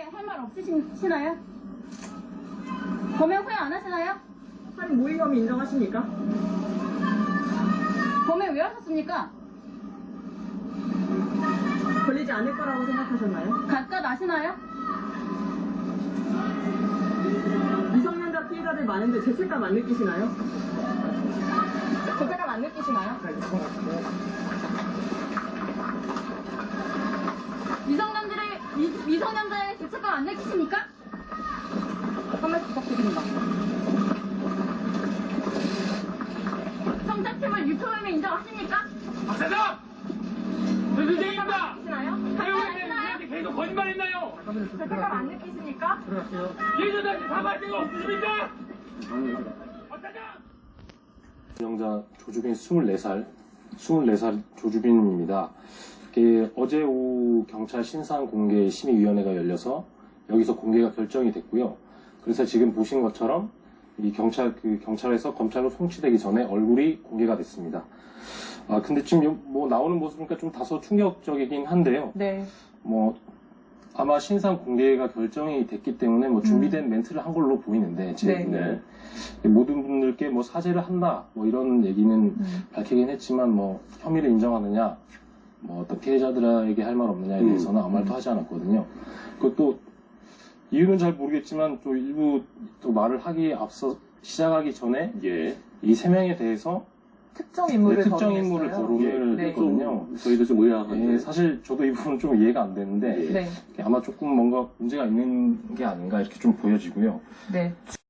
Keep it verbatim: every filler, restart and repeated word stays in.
할 말 없으시나요? 범행 후회 안 하시나요? 살인 모의 혐의 인정하십니까? 범행 왜 하셨습니까? 걸리지 않을 거라고 생각하셨나요? 각각 아시나요? 미성년자 피해자들 많은데 죄책감 안 느끼시나요? 죄책감 안 느끼시나요? 미성년자의, 미, 미성년자의 죄책감 안 느끼십니까? 한 말씀 부탁드립니다. 성착취물 유포혐의 인정하십니까? 박사장! 저 선생님입니다! 아시나요? 각각 왜 아시나요? 우리한테 계속 거짓말했나요? 죄책감 안 느끼십니까? 예전한테 사과할 데가 없으십니까? 박사장! 운영자 조주빈 스물네 살, 스물네 살 조주빈입니다. 이게 어제 오후 경찰 신상 공개 심의위원회가 열려서 여기서 공개가 결정이 됐고요. 그래서 지금 보신 것처럼 이 경찰 그 경찰에서 검찰로 송치되기 전에 얼굴이 공개가 됐습니다. 아 근데 지금 요- 뭐 나오는 모습 보니까 좀 다소 충격적이긴 한데요. 네. 뭐 아마 신상 공개가 결정이 됐기 때문에 뭐 준비된 멘트를 한 걸로 보이는데 제 네. 눈에 모든 분들께 뭐 사죄를 한다 뭐 이런 얘기는 음. 밝히긴 했지만 뭐 혐의를 인정하느냐 뭐 어떤 피해자들에게 할 말 없느냐에 대해서는 아무 말도 하지 않았거든요. 그것도 이유는 잘 모르겠지만 또 일부 또 말을 하기 앞서 시작하기 전에 예. 이 세 명에 대해서 특정 네, 인물을 특정 인물을 거론했어요. 거론을 네. 했거든요. 저희도 좀 의아한데. 예, 사실 저도 이 부분은 좀 이해가 안 되는데 예. 네. 아마 조금 뭔가 문제가 있는 게 아닌가 이렇게 좀 보여지고요. 네.